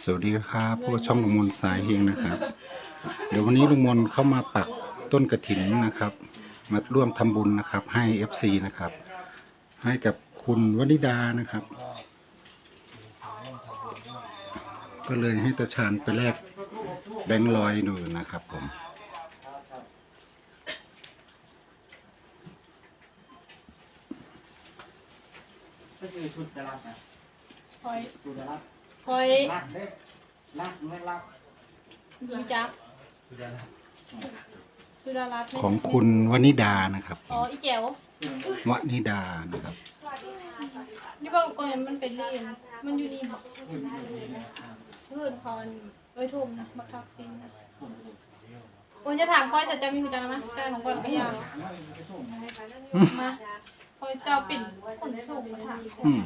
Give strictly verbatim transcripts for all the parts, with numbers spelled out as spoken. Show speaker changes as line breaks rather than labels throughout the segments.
สวัสดีครับพวกช่องลุงมนสายเฮงนะครับเดี๋ยววันนี้ลุงมนเข้ามาปักต้นกระถินนะครับมาร่วมทำบุญนะครับให้ เอฟ ซี นะครับให้กับคุณวนิดานะครับ ก็เลยให้ตาชาญไปแลกแบงค์ร้อยหนึ่งนะครับผม
ก็คือชุดดารานะคอยชุดดารา
คอย
ลักเด้ลักไม่ลัก
ดีจักสุดารัตน์
ของคุณวนิดานะครับ
อ๋ออีแจ๋ว
วนิดานะครับ
นี่บอกก่อนมันเป็นเรียนมันอยู่นี่บอกเพื่อนคอนไว้ทุ่มนะบักทักซินนะโอ้ยจะถามคอยแต่จะมีหัวใจไหมใจของคนก็ยาวมาคอยเจ้าปิ่นขนส่งมาถาม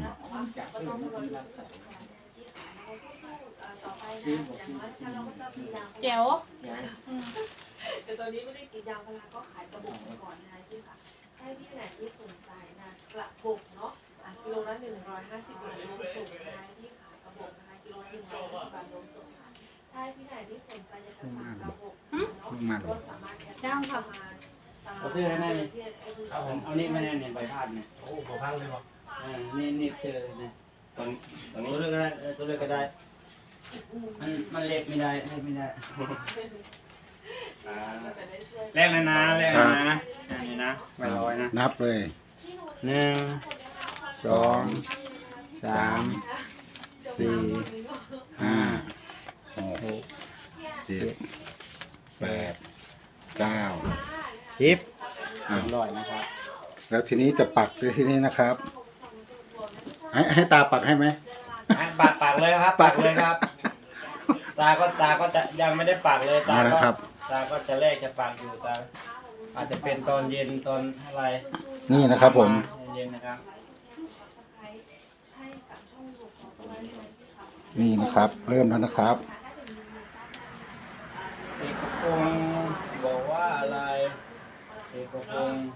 แจ๋ว
แต่ตอนนี้ไม่ได้กินยางพาราก็ขายกระบอกก่อนนะพี่ค่ะให้พี่ไหนที่สนใจนะกระบอกเนาะกิโลละหนึ่งร้อยห้าสิบบาทรวมส่งนะพี่ขายกระบอกนะคะกิโลละหนึ่งร้อยห้าสิบบาทรวมส่งค่ะถ้าพี่ไหนที่สนใจจะสั่งกระบอกเนาะก็สามารถแอดไลน์เข้ามา
เอาซื้อให้แน่เอาผมเอานี่มาแน่เนี่ยใบพัดเนี่ยโอ้ใบพัดเลยบอกอ่านี่นี่เจอเนี่ยตอนตอนนี้ตัวเลือกก็ได้ตัวเลือกก็ได้มันมันเล็กไม่ได้เล็กไม่ได้แรกเลยนะแรกเลยนะนี่นะใบลอยนะ
นับเลย
หนึ่งสองสามสี่
ห้าหกเจ็ดแปดเก้า
สิบร้อยนะครับ
แล้วทีนี้จะปักเลยทีนี้นะครับให้ให้ตาปักให้ไหม
ปักปักเลยครับปักเลยครับตาก็ตาก็จะยังไม่ได้ปักเลยตาก็ตาก็จะแรกจะปักอยู่ตาอาจจะเป็นตอนเย็นตอนอะไร
นี่นะครับผม
เย็นนะครับ
นี่นะครับเริ่มแล้วนะครับ
เอกพงศ์บอกว่าอะไรเอกพงศ์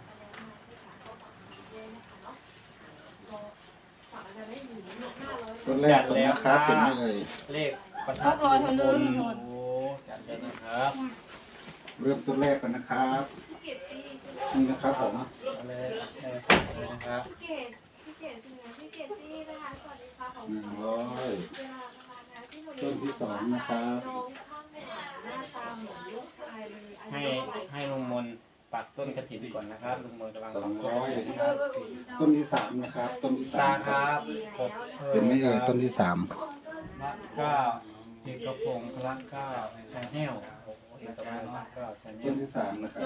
ต้นแรกแล้วครับเป็นไงเลย
เลขประทั
ดลอยทะลึ่ง
โอ้จัดเลยนะครับ
เริ่มต้นแรกกันนะครับนี่นะครับผม
อะไรนะครับ
พี่เกดพี่เกดจริงนะพี่เกดที่นะคะสวัสดีค่ะของ
หนึ่งร้อยต้นที่สองนะครับ
ให้ให้ลุงมนปักต้นกระถิ่นก่อนนะครับลุงมนกำลัง
สองร้อยต้นที่สามนะครับต้นที่สา
ตา
ม
ครับ
เป็นไม่เอ่ยต้นที่สาม
ละเก้าเอกพงศ์ละเก้าชาแนล
ต้นที่สามนะครับ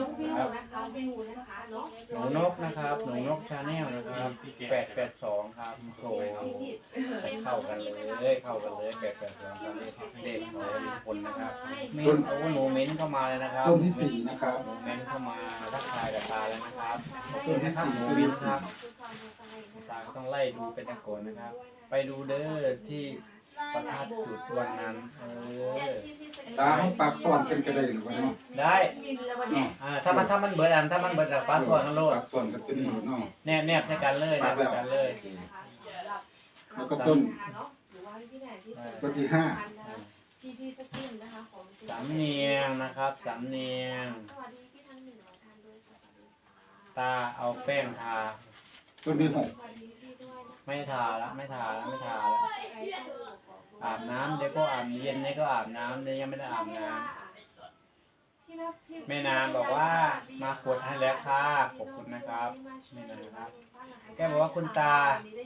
หนูนกนะครับหนูนกชาแนลนะครับแปดแปดสองครับโอ้เข้ากันเลยเข้ากันเลยแปดแปดสองครับเด็กของคนนะครับเม้นโอ้หนูเม้นเข้ามาเลยนะครับ
ต้นที่สี่นะครับ
หนูเม้นเข้ามาทักทายกับตาแล้วนะครับ
ต้นที่สี่
หนูวินครับตาต้องไล่ดูเป็นตะโกนนะครับไปดูเด้อที่ประทัดจุดวันนั้นเออ
ตาห้องปากซ่อนเป็นกระไดหรือเปล่าเนาะ
ได้อ่าถ้ามันถ้ามันเบิดอันถ้ามันเบิดแบบปากซ่อนนั่นโลด
ปากซ่อนกันสิหนูเนาะ
แนบแนบในกันเลยแนบในกันเลย
แล้วก็ต้นต้นที่ห้า
สามเนียงนะครับสามเนียงตาเอาแป้งทา
ต้นที่หก
ไม่ทาละไม่ทาละไม่ทาละอาบน้ำเดี๋ยวก็อาบเย็นเดี๋ยวก็อาบน้ำเดี๋ยวยังไม่ได้อาบน้ำแม่นางบอกว่ามากดให้แล้วค่ะขอบคุณนะครับแม่นางครับแกบอกว่าคุณตา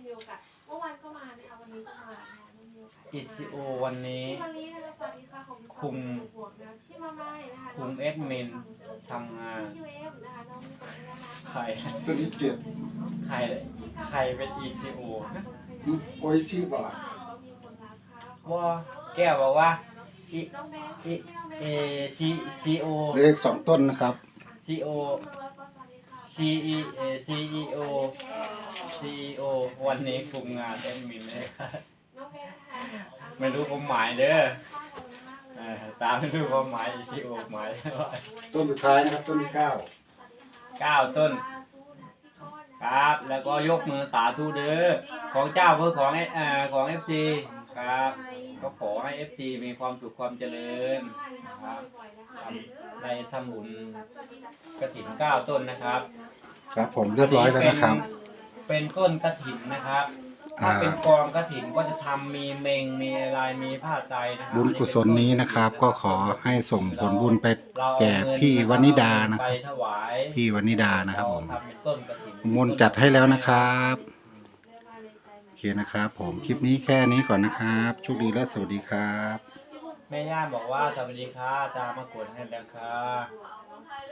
อิซิโอวันนี้คุมคุมเอ็ดมินทำงานใคร
ตัวนี้เจ็ด
ใครใครเป็นอีซีโอ
โอ้ยชีบ่
ว่าแก้วบอกว่าอีอีเอซีซีโอ
เลขสองต้นนะครับ
ซีโอซีอีเอซีอีโอซีโอวันนี้คุมงานแอดมินเลยไม่รู้ความหมายเด้อตามไม่รู้ความหมายอีซีโอหมาย
ต้นสุดท้ายนะครับต้นที่เก้า
เก้าต้นครับแล้วก็ยกมือสาธุเด้อของเจ้าเพื่อของเอ่อของเอฟซีครับก็ขอให้ เอฟ ซี มีความสุขความเจริญนะครับในทำบุญกฐินเก้าต้นนะครับ
ครับผมเรียบร้อยแล้วนะครับ
เป็นต้นกฐินนะครับถ้าเป็นกองกฐินก็จะทำมีเมงมีอะไรมีผ้าไตรนะครับ
บุญกุศลนี้นะครับ ก็ขอให้ส่งผลบุญไปแก่พี่วนิดานะค
ไป
รับ
ถวาย
พี่วนิดานะครับผม
ทำเป็นต้นกฐิน
มนต์จัดให้แล้วนะครับโอเคนะครับ ผมคลิปนี้แค่นี้ก่อนนะครับโชคดีและสวัสดีครับ
แม่ย่าบอกว่าสวัสดีค่ะอาจารย์มากดให้แล้วค่ะ